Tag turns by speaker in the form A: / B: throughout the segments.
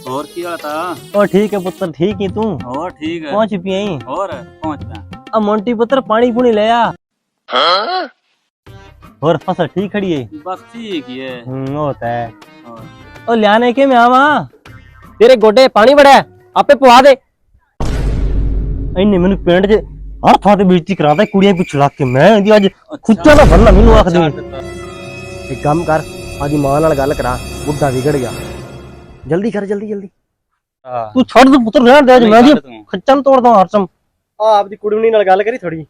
A: ਹੋਰ ਕੀ ਹਾਲ ਤਾ?
B: ओ ठीक है पुत्र, ठीक ही तू
A: ਹੋਰ ਠੀਕ ਹੈ।
B: पहुंच पिया ही
A: ਹੋਰ ਪਹੁੰਚ ਪਿਆ।
B: अब मोंटी पुत्र पानी पुनी ले आ। और फसल ठीक खड़ी है?
A: ਬਸ ਠੀਕ ਹੀ ਹੈ।
B: होता है।
A: ਹੋਰ
B: ओ लियाने के मैं आवा तेरे गोडे पानी बड़ा है आपे पवा दे। इन्ने मेनू पिंड च हर थां ते बेइज्जती करादा कुड़ियां पिछ लग के मैं इंदी अज खुच्चा दा भरना मेनू आख दे। एक काम कर आदी मां नाल गल करा बुड्ढा बिगड़ गया जल्दी कर जल्दी जल्दी तू छड़ दे पुत्र रहन दे मैं दी खच्चन तोड़दा हरचम आ आपदी कुड़ी नाल गल करी थोड़ी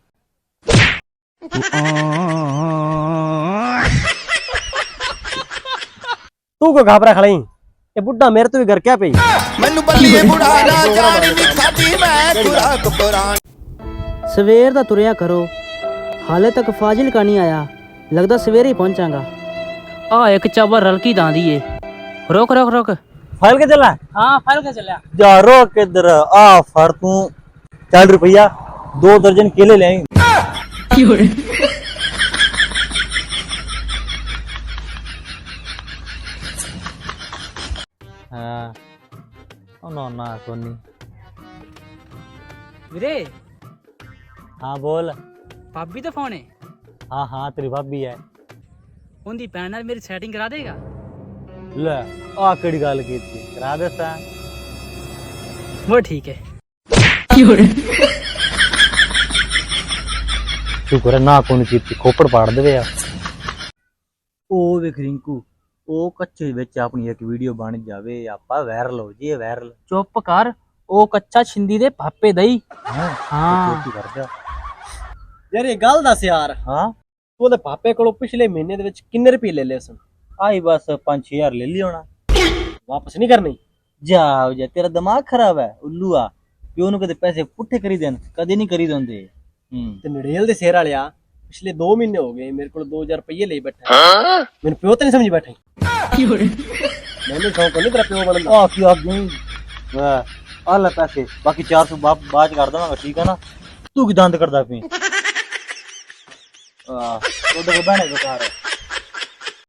B: तू को घाबरा खड़ाई ये बुड्ढा मेरे तो भी घर क्या पई
C: ਮੈਨੂੰ ਬੱਲੀਏ ਬੁੜਾ ਨਾ ਜਾਣੀ ਨੀ ਖਾਦੀ ਮੈਂ ਖੁਰਾਕ ਪੁਰਾਣ
D: ਸਵੇਰ ਦਾ ਤੁਰਿਆ ਕਰੋ ਹਾਲੇ ਤੱਕ ਫਾਜ਼ਿਲਕਾ ਨਹੀਂ ਆਇਆ ਲੱਗਦਾ ਸਵੇਰੇ ਹੀ ਪਹੁੰਚਾਂਗਾ ਆ ਇੱਕ ਚਾਬਰ ਰਲਕੀ ਦਾਂਦੀ ਏ ਰੁਕ ਰੁਕ ਰੁਕ
B: फल के चला
D: ਹਾਂ ਫੜ ਕੇ ਚੱਲਿਆ
B: जा रोक किधर आ फर तू 40 रुपया 2 दर्जन केले ले आई हाँ ओ नो ना सोनी
D: ਵੀਰੇ
B: हाँ बोल
D: ਭਾਬੀ ਦਾ ਫੋਨ ਏ
B: हाँ हाँ तेरी भाभी है
D: ਉਹਦੀ ਭੈਣ ਨਾਲ ਮੇਰੀ ਸੈਟਿੰਗ ਕਰਾ ਦੇਗਾ
B: ले आ केड़ी गल कीती करा दे सा
D: वो ठीक है
B: शुक्र है ना कोनी कीती खोपड़ पाड़ देवे आ ओ देख रिंकू ओ कच्चे विच अपनी एक वीडियो बन जावे आपा वायरल हो जी वायरल
D: ਚੁੱਪ ਕਰ ਉਹ ਕੱਚਾ ਛਿੰਦੀ ਦੇ ਭਾਪੇ ਦਈ
B: हां
D: ਹਾਂ
B: ਕੀ ਕਰਦਾ ਯਾਰ ਇਹ ਗੱਲ ਦੱਸ ਯਾਰ ਹਾਂ ਤੂੰ ਉਹਦੇ ਪਾਪੇ ਕੋਲੋਂ ਪਿਛਲੇ ਮਹੀਨੇ ਦੇ ਵਿੱਚ ਕਿੰਨੇ ਰੁਪਏ ਲੈ ਲਏ ਸਨ ਆਈ ਬਸ 5-6000 ਲੈ ਲਈ ਹੋਣਾ ਵਾਪਸ ਨਹੀਂ ਕਰਨੀ ਜਾ ਤੇਰਾ ਦਿਮਾਗ ਖਰਾਬ ਹੈ ਉੱਲੂ ਆ ਪਿਓ ਨੂੰ ਕਦੇ ਪੈਸੇ ਪੁੱਠੇ ਕਰੀ ਦੇਣ ਕਦੇ ਨਹੀਂ ਕਰੀ ਦਿੰਦੇ ਤੇ ਨੜੇਲ ਦੇ ਸਿਰ ਵਾਲਿਆ ਪਿਛਲੇ 2 ਮਹੀਨੇ ਹੋ ਗਏ ਮੇਰੇ ਕੋਲ 2000 ਰੁਪਏ ਲਈ ਬੈਠਾ ਮੈਨੂੰ ਪਿਓ ਤੇ ਨਹੀਂ ਸਮਝ ਬੈਠਾ ਮੈਨੂੰ ਸ਼ੌਂਕ ਨਹੀਂ ਤੇਰਾ ਪਿਓ ਬਣਨ ਦਾ ਆ ਕੀ ਆ ਗਈ ਵਾਹ ਆ ਲੈ ਪੈਸੇ ਬਾਕੀ 400 ਬਾਅਦ ਚ ਕਰ ਦਵਾਂਗਾ ਠੀਕ ਹੈ ਨਾ ਤੂੰ ਕੀ ਦੰਦ ਕਰਦਾ ਪਈ ਆ ਉਹਦੇ ਕੋ ਬਹਿਣੇ ਬਕਾਰ